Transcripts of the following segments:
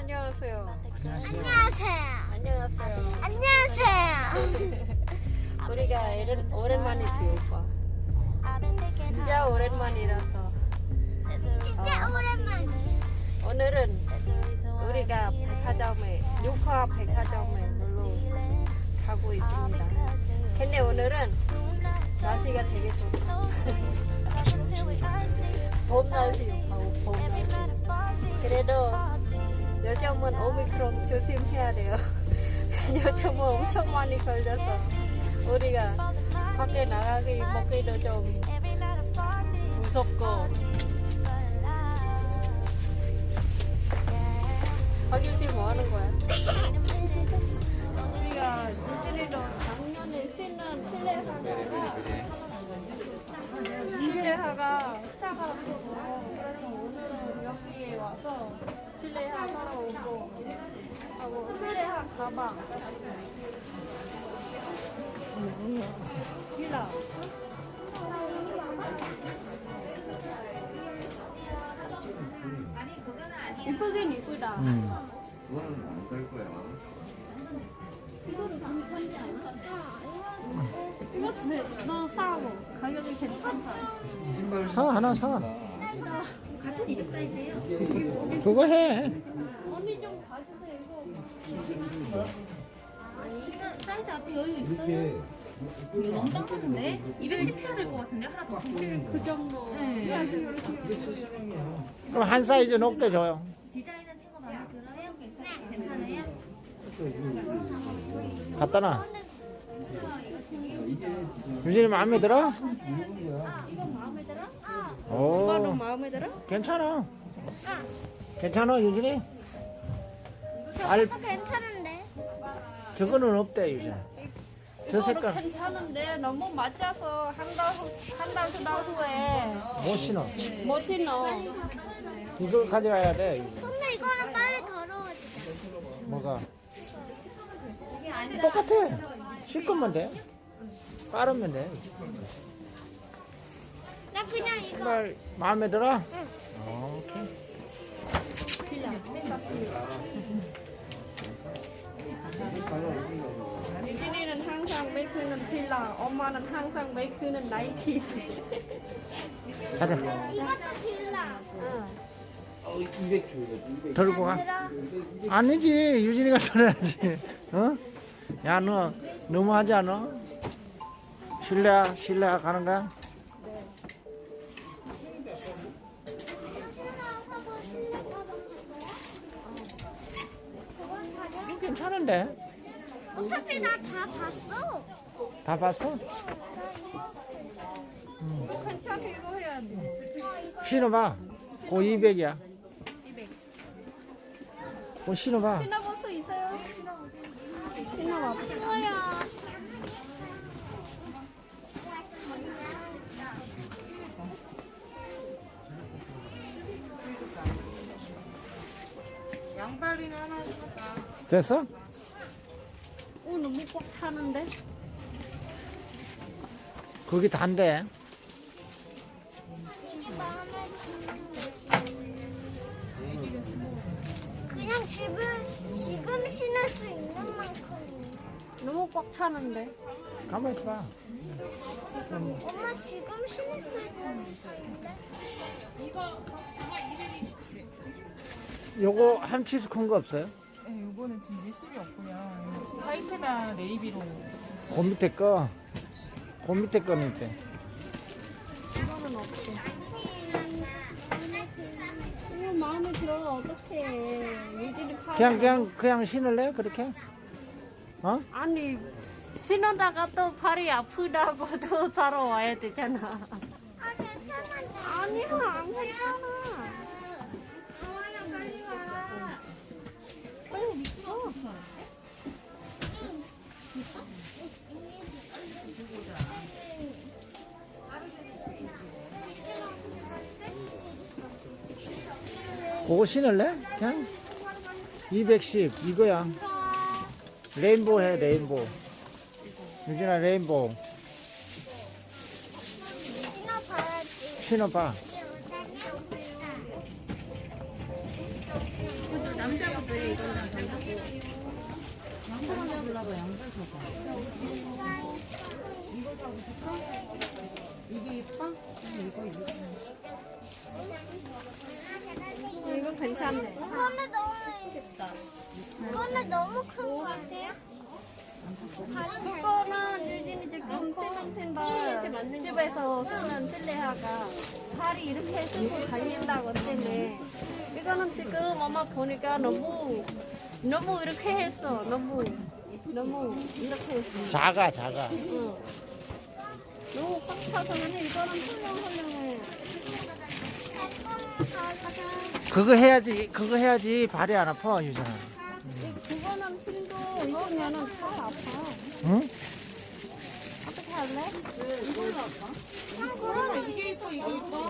안녕하세요. 안녕하세요. 안녕하세요. 안녕하세요. 우리가 오랜만이지 오빠. 진짜 오랜만이라서. 진짜 오랜만. 오늘은 우리가 백화점에 육화 백화점에 놀러 가고 있습니다. 근데 오늘은 날씨가 되게 좋다. 봄 날씨요. 봄 날씨. 그래도 요즘은 오미크론 조심해야 돼요. 요즘은 엄청 많이 걸려서 우리가 밖에 나가기 먹기도 좀 무섭고. 박유지 뭐 하는 거야? 우리가 유진이도 작년에 신는 실내화가 차가지고 오늘은 여기에 와서 실내화 사러 오고 하고 실내화 가방 필라 이쁘긴 이쁘다. 그거는 안 살 거야. 이거를 좀 사지 않아? 이거 너 사고 가격이 괜찮다. 이 신발 사, 하나 사. 같은 200 사이즈예요. 그거 해. 언니 좀 봐주세요. 이거 지금 사이즈 앞에 여유 이렇게 있어요? 이거 너무 깜깜한데? 210 해야 될 것 같은데 하나 더. 그 정도. 네. 그럼 한 사이즈 높게 줘요. 디자인은 친구 마음에 들어요? 괜찮아요? 갖다 놔. 유진이 마음에 들어? 이거 마음에 들어? 오, 오빠는 마음에 들어? 괜찮아. 괜찮아, 유진이? 괜찮은데? 저거는 없대, 유진. 저 이거는 색깔 괜찮은데 너무 맞아서 한 달 두 달 후에 못 신어. 못 신어. 이걸 가져가야 돼. 근데 이거는 빨리 더러워지잖아. 뭐가? 똑같아. 씻으면 돼. 빠르면 돼. 나 그냥 이거. 신발 마음에 들어? 오케이. 유진이는 항상 메이크는 필라, 엄마는 항상 메이크는 나이키. 가자. 이것도 빌라. 들고 가. 들어. 아니지. 유진이가 들어야지. 어? 야, 너 너무하지 않아? 실내화 가는 거야? 이거 괜찮은데? 어차피 나 다 봤어. 다 봤어? 괜찮아 이거 해야지. 신어봐. 고 200이야. 고 신어봐. 신어볼 수 있어요? 신어봐. 이거야. 양발이나 하나 사까? 됐어? 오 너무 꽉 차는데? 거기 단데. 그냥 지금 신을 수 있는 만큼. 너무 꽉 차는데? 가만 있어봐. 엄마 지금 신을 수 있는 사이인데? 요거 함치수 큰 거 없어요? 네, 요거는 지금 밀심이 없고요. 화이트나 네이비로. 그 밑에 거. 그 밑에 거는 있대. 이거는 없어. 이거 마음에 들어 어떡해. 유진이 파. 그냥 신을래? 그렇게? 어? 아니 신어다가 또 팔이 아프다고 또 사러 와야 되잖아. 아, 괜찮은데. 아니야 안 괜찮아. 빨리 와. 그거 신을래? 그냥 210 이거야. 레인보우 해 레인보우. 유진아 레인보우 신어봐야지. 신어봐. 남자분 그래 이건 안 된다고. 양털 하나 골라봐. 양털 줘봐. 이거 사고 싶어? 이게 예뻐? 이거. 이거 괜찮네. 이거는 너무 예쁘다. 이거는 너무 큰 거 같아요? 이거는 유진이 지금 세면센터 집에서 쓰는 실내화가 팔이 이렇게 쓰고 다닌다고 때문에 이거는 지금 엄마 보니까 너무 이렇게 했어. 너무 이렇게 했어. 작아. 응. 너무 꽉 차서는 이거는 훌륭해. 그거 해야지 발이 안 아파 유진아. 그거는 힘도 있으면은 잘 아파. 응? 어떻게 할래? 그러면 이게 예뻐, 이거 예뻐?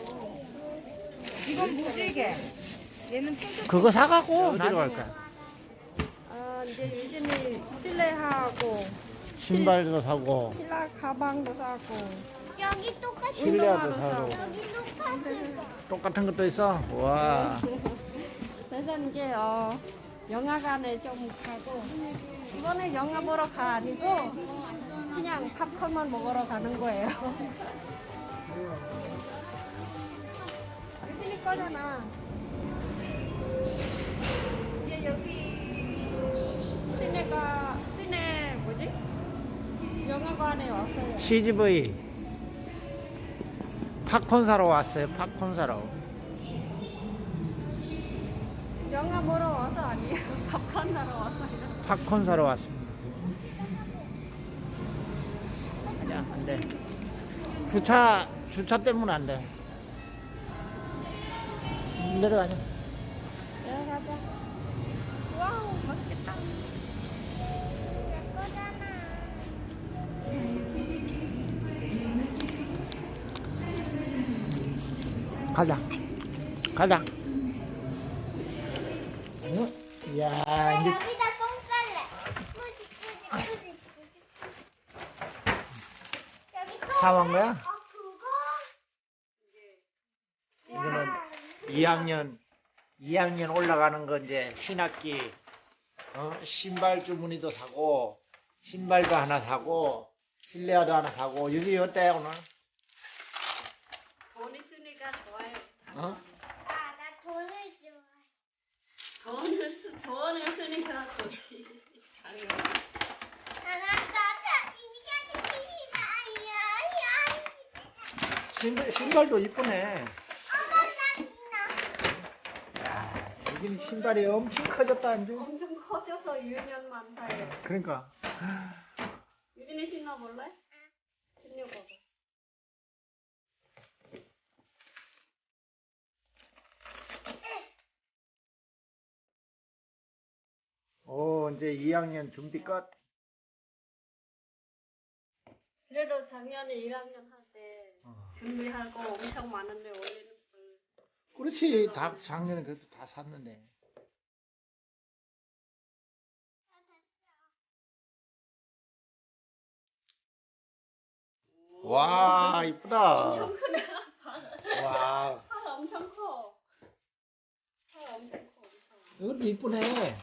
이건 뭐지 이게? 얘는 핑크. 그거 사갖고 어디로 갈 거야? 이제 유진이 실내하고 신발도 사고 필라 가방도 사고 여기 똑같이 실내화도 사고 여기 똑같이 똑같은 것도 있어. 와. 그래서 이제 영화관에 좀 가고 이번에 영화 보러 가 아니고 그냥 팝콘만 먹으러 가는 거예요. 유진이 거잖아. 이제 여기 시내 뭐지? 영화관에 왔어요. CGV 팝콘 사러 왔어요. 팝콘 사러. 영화 보러 와서 아니에요. 팝콘 사러 왔어요. 팝콘 사러 왔습니다. 아니야, 안 돼. 주차 때문에 안 돼. 내려가자. 내려가자. 와우, 맛있겠다. 가자. 응? 이야, 이제 여기다 똥 쌀래. 뿌지. 여기 똥. 사온 거야? 그거? 이거는 2학년 올라가는 거 이제 신학기 신발 주머니도 사고 신발도 하나 사고 실내화도 하나 사고. 유진이 어때 오늘? 돈 있으니까 좋아요. 어? 나 돈을 좋아해. 돈 있으니까 좋지. 당연히. 신발도 이쁘네. 야, 유진이 신발이 엄청 커졌다 안주. 엄청 커져서 2년만 사요. 그러니까. 유진이 신어볼래? 신어봐봐. 오, 이제 2학년 준비 끝. 그래도 작년에 1학년 할 때 준비할 거 엄청 많은데 올해는 그렇지. 다 작년에 그래도 다 샀는데. 와, 이쁘다. 엄청 크네. 와, 팔 엄청 커. 팔 엄청 커. 엄청. 이것도 이쁘네.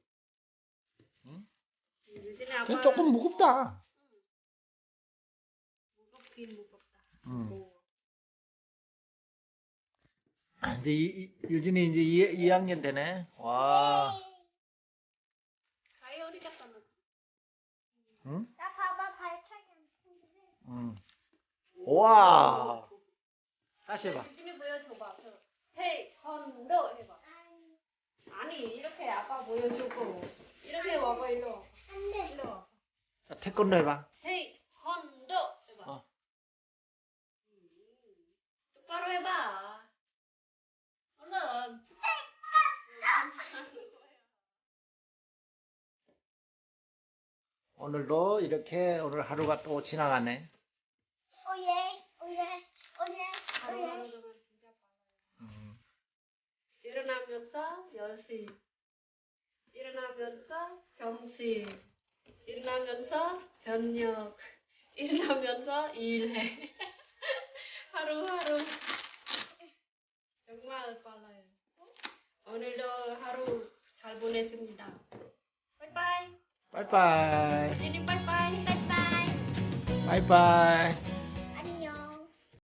유진이 근데 아빠 조금 무겁다. 무겁긴 무겁다. 응. 이제 유진이 이제 2학년 되네. 와. 다이어리 갖다 놓. 응? 나 봐봐 발차기 안 푸는데. 응. 와. 다시 해봐. 유진이 보여줘봐. 테이컨도 해봐. 아니 이렇게 아빠 보여주고 이렇게 와봐 일로. 안돼. 일로 와. 자, 태권도 해봐. 테이컨도 해봐. 어. 똑바로 해봐. 얼른. 오늘도 이렇게 오늘 하루가 또 지나가네. 오예. 하루하루 동안 진짜 빨라요. 일어나면서 10시. 일어나면서 점심. 일어나면서 저녁. 일어나면서 일해. 하루하루. 정말 빨라요. 오늘도 하루 잘 보내줍니다. 빠이빠이. 빠이빠이. 지니 빠이빠이. 빠이빠이. 빠이빠이.